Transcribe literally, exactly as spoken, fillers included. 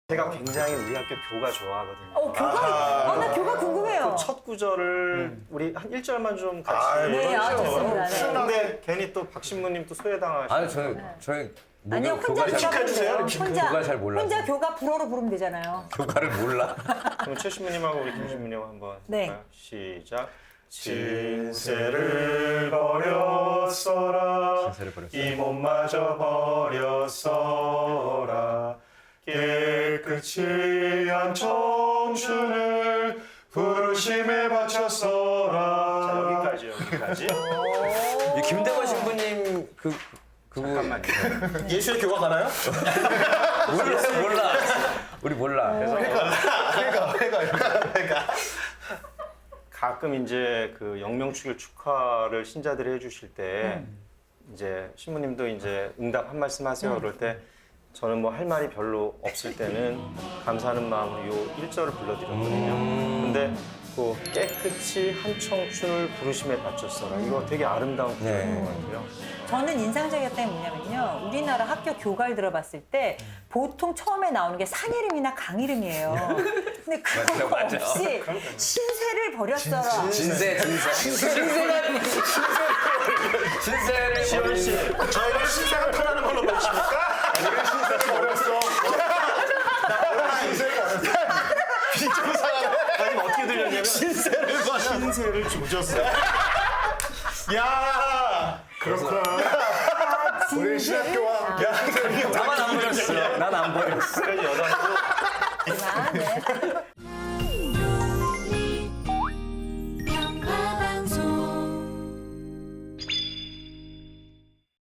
제가 굉장히 우리 학교 교가 좋아하거든요. 어, 교가, 아, 나 교가 궁금해요. 그 첫 구절을 우리 한 일 절만 좀 같이. 아, 네, 아, 그렇죠. 좋습니다. 네. 근데 괜히 또 박신무님 또 소외당하시고. 아니 저는 저희 아니요, 혼자 교가 축하해주세요. 부르면 혼자, 교가 잘 몰라서. 혼자 교가 불어로 부르면 되잖아요. 교가를 몰라. 그럼 최 신부님하고 우리 김 신부님 한번 네. 할까요? 시작. 진세를 버렸어라. 진세를 버렸어라. 이 몸마저 버렸어라. 깨끗이 한 청춘을 부르심에 바쳤어라. 자, 여기까지 여기까지. 이 김대건 신부님 그 그분 잠깐만요. 예수의 교가 가나요? 몰라 몰라. 우리 몰라. 그래서 그러니까, 그러니까, 그러니까. 가끔 이제 그 영명축일 축하를 신자들이 해주실 때 이제 신부님도 이제 응답 한 말씀 하세요. 그럴 때 저는 뭐 할 말이 별로 없을 때는 감사하는 마음으로 요 일 절을 불러드렸거든요. 근데 그 깨끗이 한 청춘을 부르심에 바쳤어라. 이거 되게 아름다운 구절인 네. 것 같아요. 저는 인상적이었던 게 뭐냐면요. 우리나라 학교 교가를 들어봤을 때 보통 처음에 나오는 게 산 이름이나 강 이름이에요. 근데 그거 맞아, 맞아. 없이 신세를 버렸어라. 진세 진세 진세가 진세를 시원 씨, 저희가 신세가 편하는 걸로 보십니까? 우리 신세를 버렸어. 나 신세를 버렸어. 비정상하네. 아니 어떻게 들렸냐면 신세를 버렸어. 신세를 조졌어요. 야, 그렇구나. 우리 신학교와 함께 나만 안 버렸어. 난 안 버렸어. 그래서 여담으로 아, 네.